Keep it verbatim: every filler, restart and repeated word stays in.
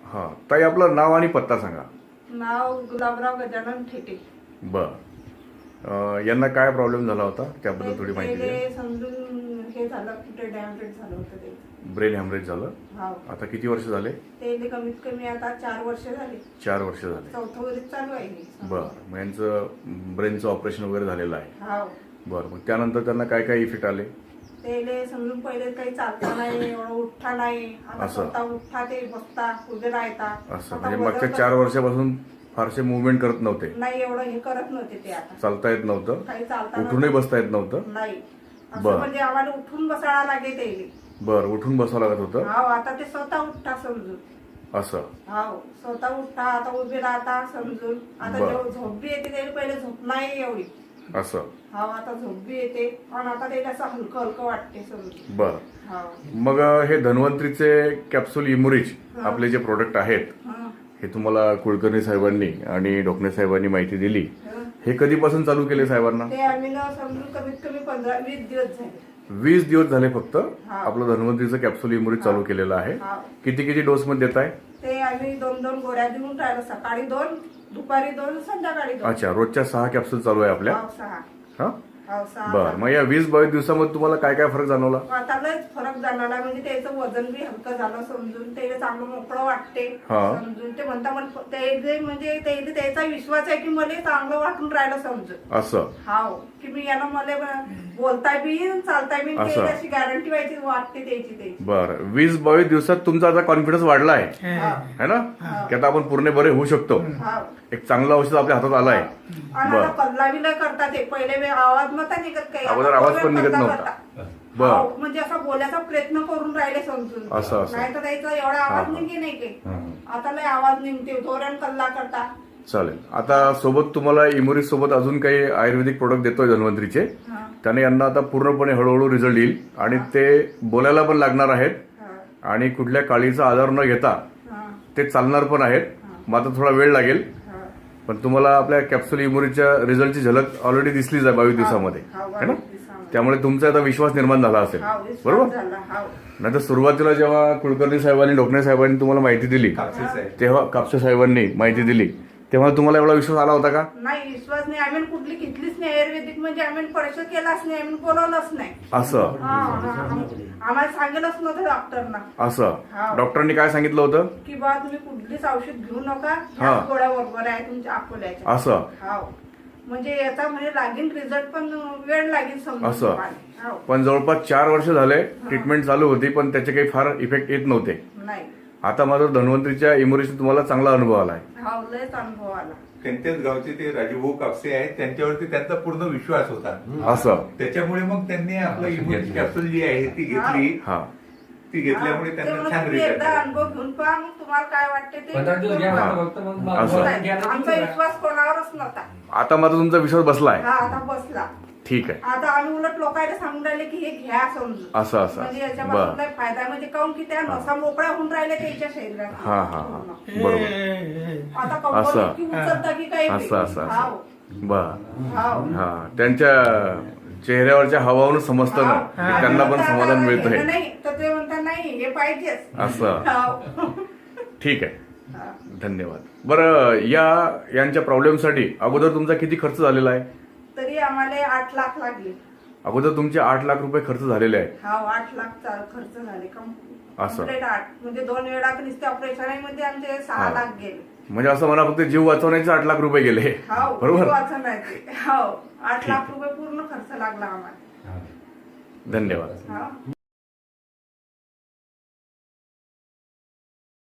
हा ताई, आपलं नाव आणि पत्ता सांगा. नाव गुलाबराव गजानन ठेटे. बर, यांना काय प्रॉब्लेम झाला होता त्याबद्दल थोडी माहिती द्या. ते समजून हे झालं, कुठे डॅमेज झालं होतं ते. ब्रेन हॅमरेज झालं. हाव. आता किती वर्ष झाले? ते कमीत कमी आता चार वर्ष झाले. चार वर्ष झाले. चौथं वर्ष चालू आहे. बर, मग यांचं ब्रेनचं ऑपरेशन वगैरे झालेलं आहे. हाव. बर, मग त्यानंतर त्यांना काय काय इफेक्ट आले? ते समजून पहिले काही चालता नाही, एवढं उठता नाही. आता स्वतः उठता, ते बसता, उभे राहता. असं म्हणजे मागच्या चार वर्षापासून फारसे मुवमेंट करत नव्हते? नाही, एवढं हे करत नव्हते ते. आता चालता येत नव्हतं, काही चालता उठूनही बसता येत नव्हतं? नाही. असं म्हणजे आम्हाला उठून बसायला लागे ते. बर, उठून बसावं लागत होतं? हाव. आता ते स्वतः उठता समजून. असं? हाव, स्वतः उठता, आता उभे राहता समजून. आता झोप बी येते, त्याला पहिले झोप नाही एवढी. असं? हाव, आता झोप बी येते आणि आता त्याला असं हलकं हलकं वाटते समजून. बर, मग हे धन्वंतरीचे कॅप्सूल इमुरिज आपले जे प्रोडक्ट आहेत, हे तुम्हाला कुलकर्णी साहेबांनी आणि डोकणे साहेबांनी माहिती दिली. हे कधीपासून चालू केले साहेबांना? ते आम्ही ना समजून कमीत कमी पंधरा वीस दिवस झाले. वीस दिवस झाले फक्त आपलं धन्वंतरीचं कॅप्सूल इमुरिज चालू केलेलं आहे. किती किती डोस मध्ये देत आहे ते? आम्ही दोन दोन गोळ्या देऊन राहिलो, सकाळी दोन, दुपारी दोन, संध्याकाळी दोन. अच्छा, रोजच्या सहा कॅप्सूल चालू आहे आपल्या? सहा. हा, बर. मग या वीस बावीस दिवसामध्ये तुम्हाला काय काय फरक जाणवला? आता लयच फरक जाणवला. म्हणजे त्याचं वजन बी हलकं झालं समजून. ते चांगलं मोकळं वाटते समजून. ते म्हणता म्हणजे म्हणजे त्याचा विश्वास आहे की मला चांगलं वाटून राहिलं समजून. असं? हाव, की मी याला मला बोलताय बी चालताय बी, अशी गॅरंटी व्हायची वाटते त्याची त्याची. बर, वीस बावीस दिवसात तुमचा आता कॉन्फिडन्स वाढला आहे है ना, की आता आपण पूर्ण बरे होऊ शकतो. एक चांगलं औषध आपल्या हातात आलं आहे. आणि कल्ला बी नाही करतात. ते पहिले आवाज नव्हता निघत, काही अगोदर आवाज पण निघत नव्हता. बर, म्हणजे असा बोलायचा प्रयत्न करून राहिले समजून. असं असं नाही तर त्याचा एवढा आवाज निघे नाही की. आता लय आवाज निघते, धोरण कल्ला करता. चालेल. आता सोबत तुम्हाला इमुरिज सोबत अजून काही आयुर्वेदिक प्रोडक्ट देतोय धन्वंतरीचे. त्याने यांना आता पूर्णपणे हळूहळू रिझल्ट येईल आणि ते बोलायला पण लागणार आहेत आणि कुठल्या काळीचा आधार न घेता ते चालणार पण आहेत. मात्र थोडा वेळ लागेल, पण तुम्हाला आपल्या कॅप्सूल इमुरिजच्या रिझल्टची झलक ऑलरेडी दिसलीच आहे बावीस दिवसामध्ये है ना. त्यामुळे तुमचा आता विश्वास निर्माण झाला असेल, बरोबर? नाही तर सुरुवातीला जेव्हा कुलकर्णी साहेबांनी, डोकणे साहेबांनी तुम्हाला माहिती दिली, तेव्हा कापसे साहेबांनी माहिती दिली, तेव्हा तुम्हाला एवढा विश्वास आला होता का? नाही, विश्वास नाही. आम्ही कुठली घेतलीच नाही आयुर्वेदिक. म्हणजे आम्ही परीक्षा केलाच नाही, आम्ही बोलवलंच नाही. असं? आम्हाला सांगितलंच नव्हतं डॉक्टरना. असं? डॉक्टरांनी काय सांगितलं होतं? की बा तुम्ही कुठलीच औषध घेऊ नका, गोळ्या बरोबर आहे तुमच्या अकोल्याच्या. असं? हाव, म्हणजे याचा म्हणजे लागेल रिझल्ट, पण वेळ लागेल समजा. असं? पण जवळपास चार वर्ष झाले ट्रीटमेंट चालू होती, पण त्याचे काही फार इफेक्ट येत नव्हते. नाही. आता मात्र धन्वंतरीच्या इमुरिज तुम्हाला चांगला अनुभव आलाय. हाव, लयच अनुभव आला. त्यांच्याच गावचे ते राजूभाऊ कापसे आहेत, त्यांच्यावरती त्यांचा पूर्ण विश्वास होता. असं? त्याच्यामुळे मग त्यांनी आपलं इम्युनिटी कॅप्सूल जी आहे ती घेतली. हा, ती घेतल्यामुळे त्यांना छान रिझल्ट एकदा अनुभव घेऊन पहा, मग तुम्हाला काय वाटते ते. असं? आमचा विश्वास कोणावरच नव्हता. आता मात्र तुमचा विश्वास बसलाय? हा, आता बसला. ठीक आहे. आता आम्ही उलट लोकांना सांगून राहिले की हे घ्या समजून. असं असं म्हणजे याच्यापासून काय फायदा, म्हणजे काऊन की त्या नसा मोकळ्या होऊन राहिल्या त्याच्या शरीरात. हा हा हा, बरोबर. आता कंपनी उचलता की काही. असं असं हाव. बर. हाव. हा, त्यांच्या चेहऱ्यावरच्या हवावरून समजतं ना की त्यांना पण समाधान मिळतंय. नाही तर ते म्हणतात नाही हे पाहिजेच. असं? ठीक आहे, धन्यवाद. बरं, या यांच्या प्रॉब्लेमसाठी अगोदर तुमचा किती खर्च झालेला आहे? तरी आम्हाला आठ लाख लागले. अगोदर तुमचे आठ लाख रुपये खर्च झालेले आहेत? हा, आठ लाख खर्च झाले. असं? आठ म्हणजे दोन वेळा नुसते ऑपरेशन मध्ये आमचे सहा लाख गेले. म्हणजे असं मला फक्त जीव वाचवण्याचे आठ लाख रुपये गेले, बरोबर? वाचवण्याचे हो, आठ लाख रुपये पूर्ण खर्च लागला आम्हाला. धन्यवाद.